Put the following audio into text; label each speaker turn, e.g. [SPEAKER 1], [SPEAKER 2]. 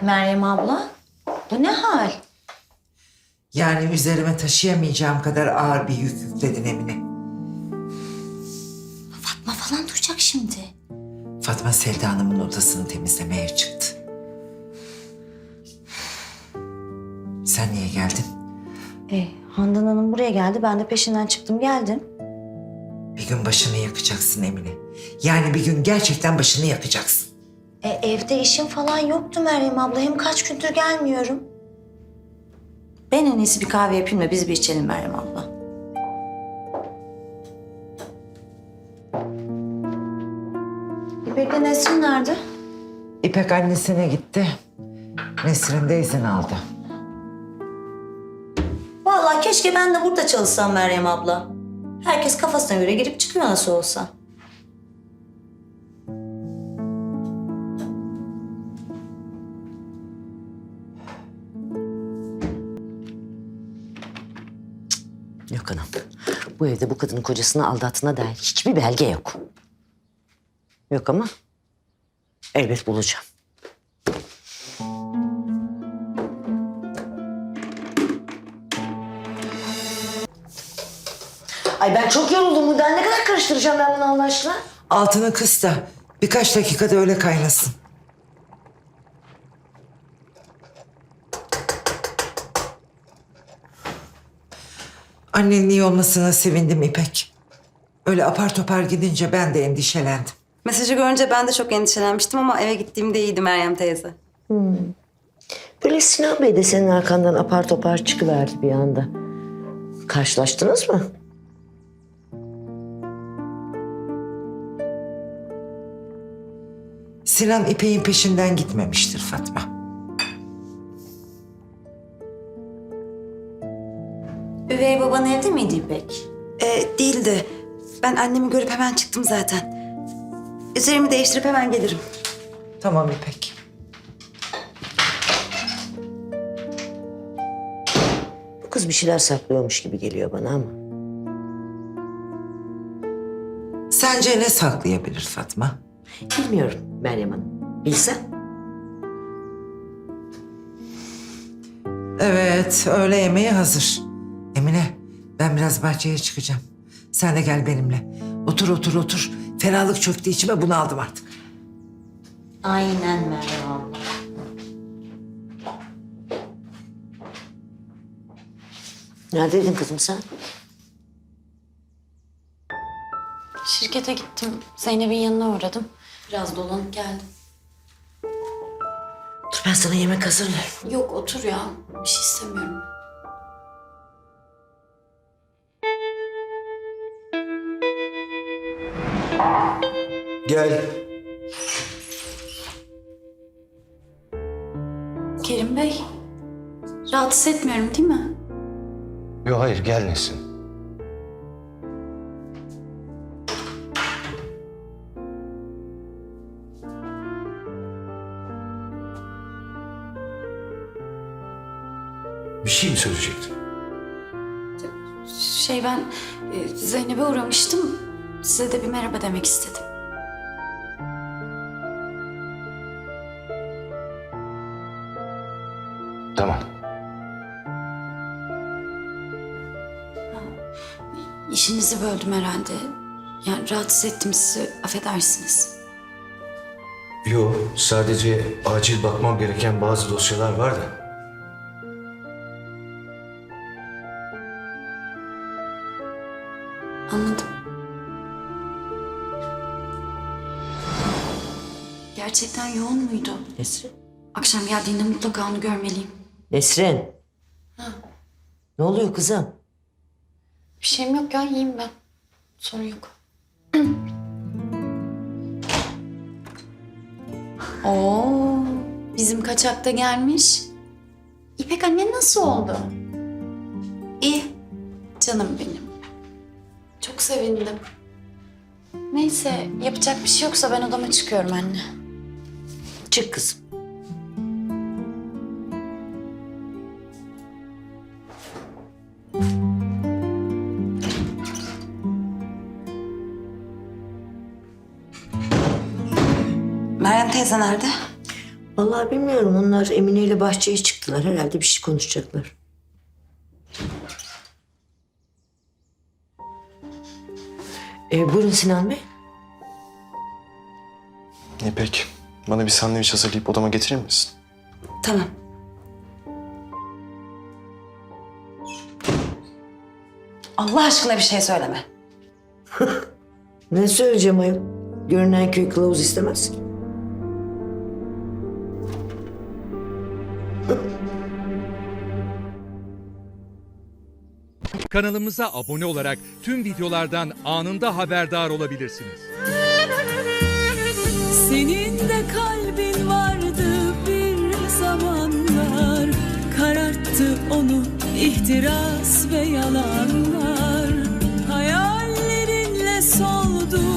[SPEAKER 1] Meryem abla, bu ne hal?
[SPEAKER 2] Yani üzerime taşıyamayacağım kadar ağır bir yük yükledin Emine.
[SPEAKER 1] Fatma falan duyacak şimdi.
[SPEAKER 2] Fatma Selda Hanım'ın odasını temizlemeye çıktı. Sen niye geldin?
[SPEAKER 1] Handan Hanım buraya geldi, ben de peşinden çıktım geldim.
[SPEAKER 2] Bir gün başını yakacaksın Emine. Yani bir gün gerçekten başını yakacaksın.
[SPEAKER 1] Evde işim falan yoktu Meryem abla, hem kaç gündür gelmiyorum. Ben en iyisi bir kahve yapayım da biz bir içelim Meryem abla. İpek'le Nesrin nerede?
[SPEAKER 2] İpek annesine gitti. Nesrin de izin aldı.
[SPEAKER 1] Vallahi keşke ben de burada çalışsam Meryem abla. Herkes kafasına göre girip çıkıyor nasıl olsa.
[SPEAKER 3] Yok anam. Bu evde bu kadının kocasını aldattığına dair hiçbir belge yok. Yok ama elbet bulacağım. Ay ben çok yoruldum buradan. Ne kadar karıştıracağım ben bunu Allah aşkına?
[SPEAKER 2] Altını kıs da birkaç dakikada öyle kaynasın. Annenin iyi olmasına sevindim İpek. Öyle apar topar gidince ben de endişelendim.
[SPEAKER 4] Mesajı görünce ben de çok endişelenmiştim ama eve gittiğimde iyiydi Meryem teyze.
[SPEAKER 3] Böyle Sinan Bey de senin arkandan apar topar çıkıverdi bir anda. Karşılaştınız mı?
[SPEAKER 2] Sinan İpek'in peşinden gitmemiştir Fatma.
[SPEAKER 1] Üvey baban evde miydi İpek?
[SPEAKER 4] Değildi. Ben annemi görüp hemen çıktım zaten. Üzerimi değiştirip hemen gelirim.
[SPEAKER 2] Tamam İpek.
[SPEAKER 3] Bu kız bir şeyler saklıyormuş gibi geliyor bana ama.
[SPEAKER 2] Sence ne saklayabilir Fatma?
[SPEAKER 3] Bilmiyorum Meryem Hanım. Bilsen.
[SPEAKER 2] Evet, öğle yemeği hazır. Emine, ben biraz bahçeye çıkacağım. Sen de gel benimle. Otur. Ferahlık çöktü içime, bunu aldım artık.
[SPEAKER 1] Aynen Meryem abla.
[SPEAKER 3] Neredeydin kızım sen?
[SPEAKER 5] Şirkete gittim. Zeynep'in yanına uğradım. Biraz dolanıp geldim.
[SPEAKER 3] Dur ben sana yemek hazırlarım.
[SPEAKER 5] Yok otur ya. Bir şey istemiyorum.
[SPEAKER 6] Gel.
[SPEAKER 5] Kerim Bey. Rahatsız etmiyorum değil mi?
[SPEAKER 6] Yok hayır gel Nesin. Bir şey mi söyleyecektin?
[SPEAKER 5] Ben Zeynep'e uğramıştım. Size de bir merhaba demek istedim.
[SPEAKER 6] Tamam.
[SPEAKER 5] İşinizi böldüm herhalde. Yani rahatsız ettim sizi. Affedersiniz.
[SPEAKER 6] Yok sadece acil bakmam gereken bazı dosyalar var da.
[SPEAKER 5] Anladım. Gerçekten yoğun muydu?
[SPEAKER 3] Nesrin?
[SPEAKER 5] Akşam geldiğinde mutlaka onu görmeliyim.
[SPEAKER 3] Nesrin. Ne oluyor kızım?
[SPEAKER 5] Bir şeyim yok ya, iyiyim ben. Sorun yok. Oo, bizim kaçakta gelmiş. İpek anne nasıl oldu? İyi, canım benim. Çok sevindim. Neyse, yapacak bir şey yoksa ben odama çıkıyorum anne.
[SPEAKER 3] Çık kızım.
[SPEAKER 4] Meryem teyze nerede?
[SPEAKER 3] Vallahi bilmiyorum. Onlar Emine ile bahçeye çıktılar. Herhalde bir şey konuşacaklar. Buyurun Sinan Bey.
[SPEAKER 7] İpek, bana bir sandviç hazırlayıp odama getirir misin?
[SPEAKER 4] Tamam. Allah aşkına bir şey söyleme.
[SPEAKER 3] Ne söyleyeceğim ayol? Görünen köy kılavuz istemez ki.
[SPEAKER 8] Kanalımıza abone olarak tüm videolardan anında haberdar olabilirsiniz.
[SPEAKER 9] Senin de kalbin vardı bir zamanlar, kararttı onu ihtiras ve yalanlar. Hayallerinle soldu